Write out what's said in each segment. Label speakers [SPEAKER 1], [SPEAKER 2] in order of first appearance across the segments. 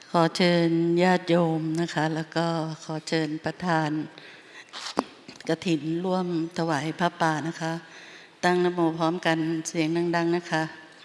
[SPEAKER 1] ขอเชิญญาติโยมนะคะแล้วก็ขอเชิญประธานกฐินร่วมถวายพระป่านะคะตั้งนะโมพร้อมกันเสียงดังๆนะคะ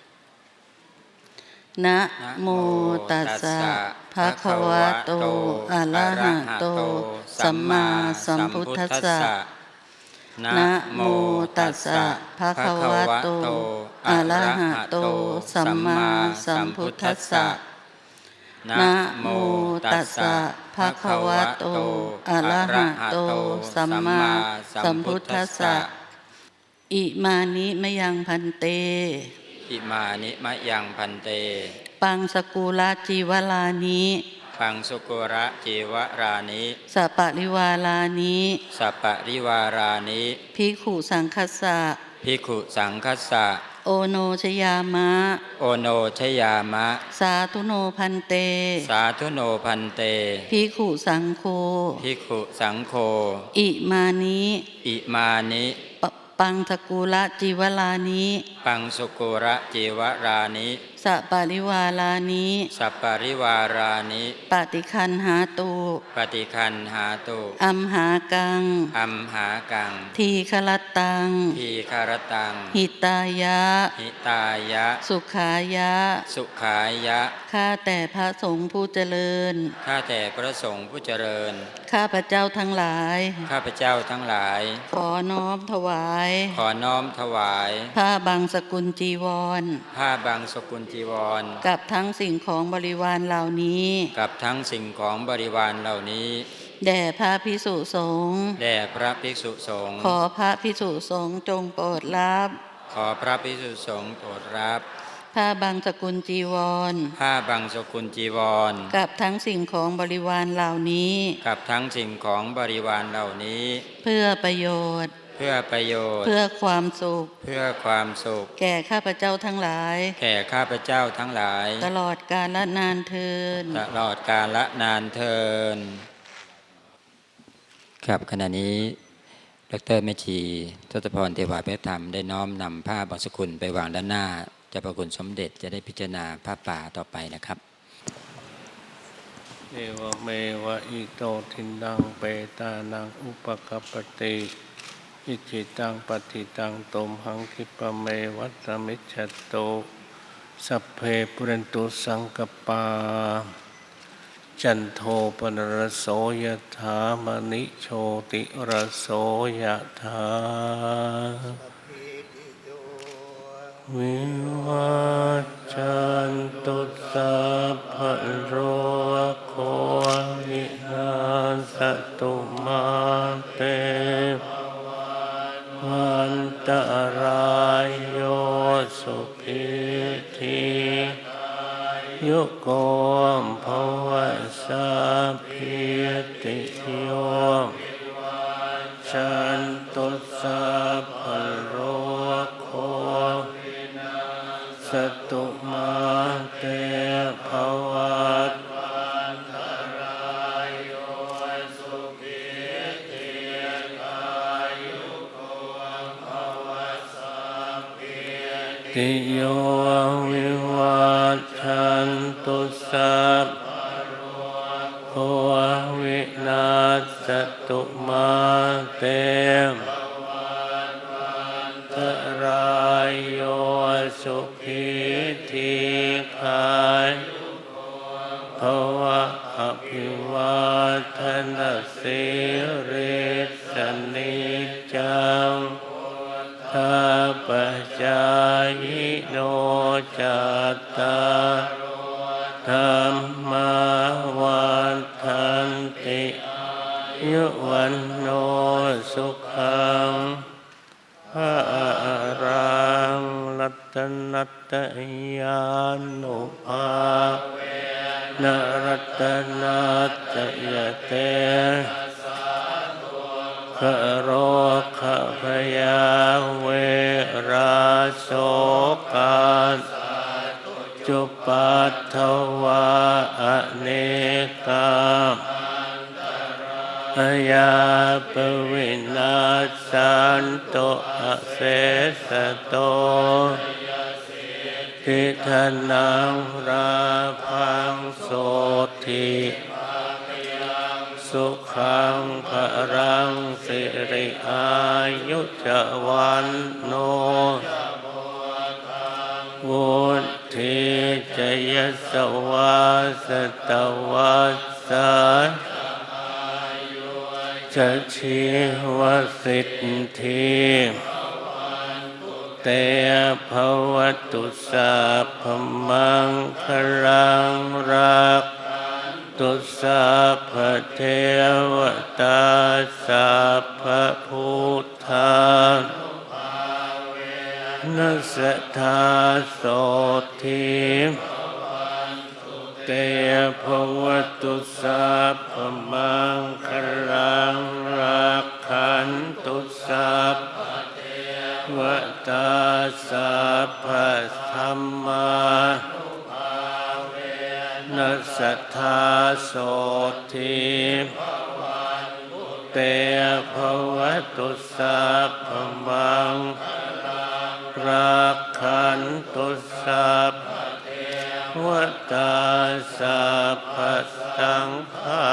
[SPEAKER 1] นะโมตัสสะภะคะวะโตอะระหะโตสัมมาสัมพุทธัสสะนะโมตัสสะภะคะวะโตอะระหะโตสัมมาสัมพุทธัสสะนะโมตัสสะภะคะวะโตอะระหะโตสัมมาสัมพุทธัสสะอิมานิมะยังพันเต
[SPEAKER 2] อิมานิมะยังพันเต
[SPEAKER 1] ปังสกุลจีวลานิ
[SPEAKER 2] ปังสุกุระจีวรานิ
[SPEAKER 1] สัปปะริวาลานิ
[SPEAKER 2] สัปปะริวารานิ
[SPEAKER 1] ภิกขุสังคัสสะ
[SPEAKER 2] ภิกขุสังคัสสะ
[SPEAKER 1] โอโนชยามะ
[SPEAKER 2] โอโนชยามะ
[SPEAKER 1] สาธุโนพันเต
[SPEAKER 2] สาธุโนพันเต
[SPEAKER 1] ภิกขุสังโฆ
[SPEAKER 2] ภิกขุสังโฆ
[SPEAKER 1] อิมานิ
[SPEAKER 2] อิมานิ
[SPEAKER 1] ปังสกุลจีวลานิ
[SPEAKER 2] ปังสุกุระจีวรานิ
[SPEAKER 1] สัปปะริวาลานิ
[SPEAKER 2] สัปปะริวารานิ
[SPEAKER 1] ปฏิคันหาตุ
[SPEAKER 2] ปฏิคันหาตุ
[SPEAKER 1] อัมหากัง
[SPEAKER 2] อัมหากัง
[SPEAKER 1] ทีฆรตัง
[SPEAKER 2] ทีฆรตัง
[SPEAKER 1] หิตายะ
[SPEAKER 2] หิตายะ
[SPEAKER 1] สุขายะ
[SPEAKER 2] สุขายะ
[SPEAKER 1] ข้าแต่พระสงฆ์ผู้เจริญ
[SPEAKER 2] ข้าแต่พระสงฆ์ผู้เจริญ
[SPEAKER 1] ข้าพระเจ้าทั้งหลาย
[SPEAKER 2] ข้าพระเจ้าทั้งหลาย
[SPEAKER 1] ขอน้อมถวาย
[SPEAKER 2] ขอน้อมถวาย
[SPEAKER 1] ผ้าบังสกุลจีวร
[SPEAKER 2] ผ้าบังสกุลจีวร
[SPEAKER 1] กับทั้งสิ่งของบริวารเหล่านี้
[SPEAKER 2] กับทั้งสิ่งของบริวารเหล่านี้
[SPEAKER 1] แด่พระภิกษุสงฆ์
[SPEAKER 2] แด่พระภิกษุสงฆ์
[SPEAKER 1] ขอพระภิกษุสงฆ์จงโปรดรับ
[SPEAKER 2] ขอพระภิกษุสงฆ์โปรดรับ
[SPEAKER 1] ผ้าบังสกุลจีวร
[SPEAKER 2] ผ้าบังสกุลจีวร
[SPEAKER 1] กับทั้งสิ่งของบริวารเหล่านี้
[SPEAKER 2] กับทั้งสิ่งของบริวารเหล่านี้
[SPEAKER 1] เพื่อประโยชน์
[SPEAKER 2] เพื่อประโยชน์
[SPEAKER 1] เพื่อความสุข
[SPEAKER 2] เพื่อความสุข
[SPEAKER 1] แก่ข้าพเจ้าทั้งหลาย
[SPEAKER 2] แก่ข้าพเจ้าทั้งหลาย
[SPEAKER 1] ตลอดกาลนานเทอญ
[SPEAKER 2] ตลอดกาลนานเทอญครับขณะนี้ดร.แม่ชีทศพรเทวาภิธรรมได้น้อมนำผ้าบังสกุลไปวางด้านหน้าเจ้าพระคุณสมเด็จจะได้พิจารณาผ้าป่าต่อไปนะครับ
[SPEAKER 3] เอวเมวะอิโตทินังเปตานังอุปกัปปติอิจิตังปฏิตังตมหังคิปะเมวัตมิจฉโตสัพเพปุเรนตุสังกปาจันโทปนรโสยถามณิโชติรโสยถาวิวัจจันตุสัพพะโรโควินาศตุมาเตวันตรายโยสุขิธิยุโกมภวสัพพิติโยชันตุสัพพะโรโคสตุมาเตภวัตติโยวิวัชชันตุสัพพะวินาศตุมาเตตรายโยสุขิธิคายภวะอภิวาทนาสิริสนิจังข้าพเจ้าโนจัตตาธรรมวันทันติยุวันโนสุขังภะรังรัตนัตยานุภาเวนรัตนัตยเตขโรคพยาเวราโสกาจุปัฏฐวาอเนกาอยาปวินาสันโตอเสสโตทิฏฐังราพังโสตสุขังภรังสิริอายุจวันโนวุฒิจยสวาสตวัสสะจะชีวสิทธิเตภวตุสัพพมังคลังรักตุสัพพเทวตาสัพพพุทธานัสสะทาโสทิเตภวตุสัพพมังคลังรักขันตุสัพพตาสัพพธัมมานัสสะทาโสทิเตภวตุสัพพมังรักขันตุสัพพตาสัพพสังฆา